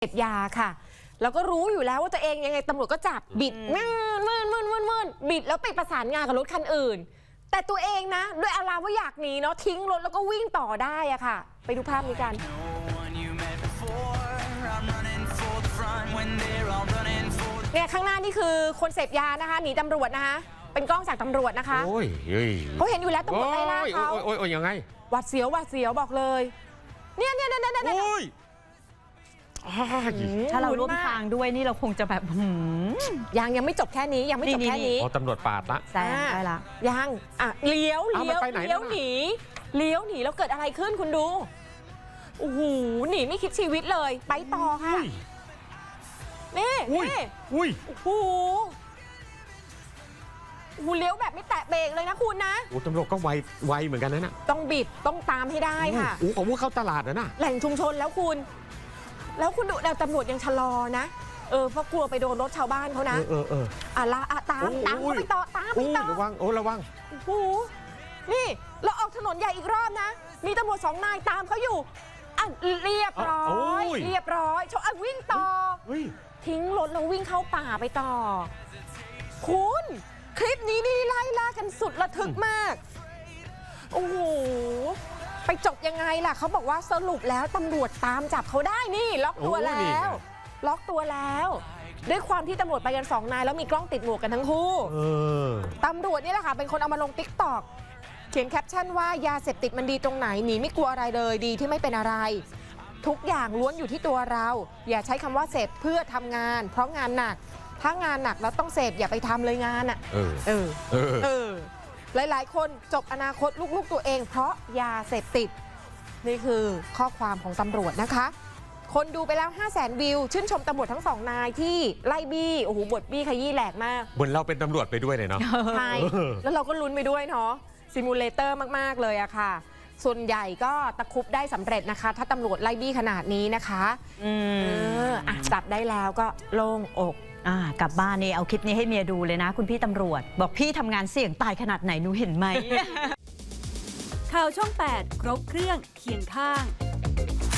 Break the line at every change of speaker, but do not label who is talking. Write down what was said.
เสพยาค่ะแล้วก็รู้อยู่แล้วว่าตัวเองยังไงตำรวจก็จับบิดมืนบิดแล้วไปประสานงานกับรถคันอื่นแต่ตัวเองนะด้วยอารามว่าอยากหนีเนาะทิ้งรถแล้วก็วิ่งต่อได้อะค่ะไปดูภาพนี้กันเนี่ยข้างหน้านี่คือคนเสพยานะคะหนีตำรวจนะคะเป็นกล้องจากตำรวจนะคะเขาเห็นอยู่แล้วตำรวจไล่ล่าเขา
โอ้ยยังไง
หวาดเสียวบอกเลยเนี่ย
ถ้าเราร่วมทางด้วยนี่เราคงจะแบบ
ยังไม่จบแค่นี้ยังไม่จบแค่นี้
ตำรวจปาดละ
แซงได้ละ
ยังเลี้ยวหนีแล้วเกิดอะไรขึ้นคุณดูโอ้โหหนีไม่คิดชีวิตเลยไปต่อค่ะนี่โอ้โหเลี้ยวแบบไม่แตะเบรกเลยนะคุณนะ
ตำรวจก็ไวเหมือนกันนะ
ต้องบีบต้องตามให้ได้ค่ะ
เขาว่าเข้าตลาดนะ
แหล่งชุมชนแล้วคุณดูตำรวจยังชะลอนะเพราะกลัวไปโดนรถชาวบ้านเขานะตามเขาไปต่อ
ระวัง
โอ้โหนี่เราออกถนนใหญ่อีกรอบนะมีตำรวจ2 นายตามเขาอยู่เรียบร้อยชนวิ่งต่อทิ้งรถแล้ววิ่งเข้าป่าไปต่อคุณคลิปนี้นี่ไล่ล่ากันสุดระทึกมากโอ้โหไปจบยังไงล่ะเขาบอกว่าสรุปแล้วตำรวจตามจับเขาได้นี่ล็อกตัวแล้วด้วยความที่ตำรวจไปกัน2 นายแล้วมีกล้องติดหมวกกันทั้งคู่ตำรวจนี่แหละค่ะเป็นคนเอามาลง TikTok เขียนแคปชั่นว่ายาเสพติดมันดีตรงไหนหนีไม่กลัวอะไรเลยดีที่ไม่เป็นอะไรทุกอย่างล้วนอยู่ที่ตัวเราอย่าใช้คำว่าเสพเพื่อทำงานเพราะงานหนักถ้างานหนักแล้วต้องเสพอย่าไปทำเลยงานอ่ะหลายๆคนจบอนาคตลูกๆตัวเองเพราะยาเสพติดนี่คือข้อความของตำรวจนะคะคนดูไปแล้ว 500,000 วิวชื่นชมตำรวจทั้ง2 นายที่ไล่บี้โอ้โหบทบี้ขยี้แหลกมาก
เหมือนเราเป็นตำรวจไปด้วยเลยเนาะ
ใช่แล้วเราก็ลุ้นไปด้วยเนาะซิมูเลเตอร์มากๆเลยอะค่ะส่วนใหญ่ก็ตะคุบได้สำเร็จนะคะถ้าตำรวจไล่บี้ขนาดนี้นะคะจับได้แล้วก็โล่งอก
กลับบ้านนี่เอาคลิปนี้ให้เมียดูเลยนะคุณพี่ตำรวจบอกพี่ทำงานเสี่ยงตายขนาดไหนหนูเห็นไหม
ข่าวช่อง 8 ครบเครื่องเคียงข้าง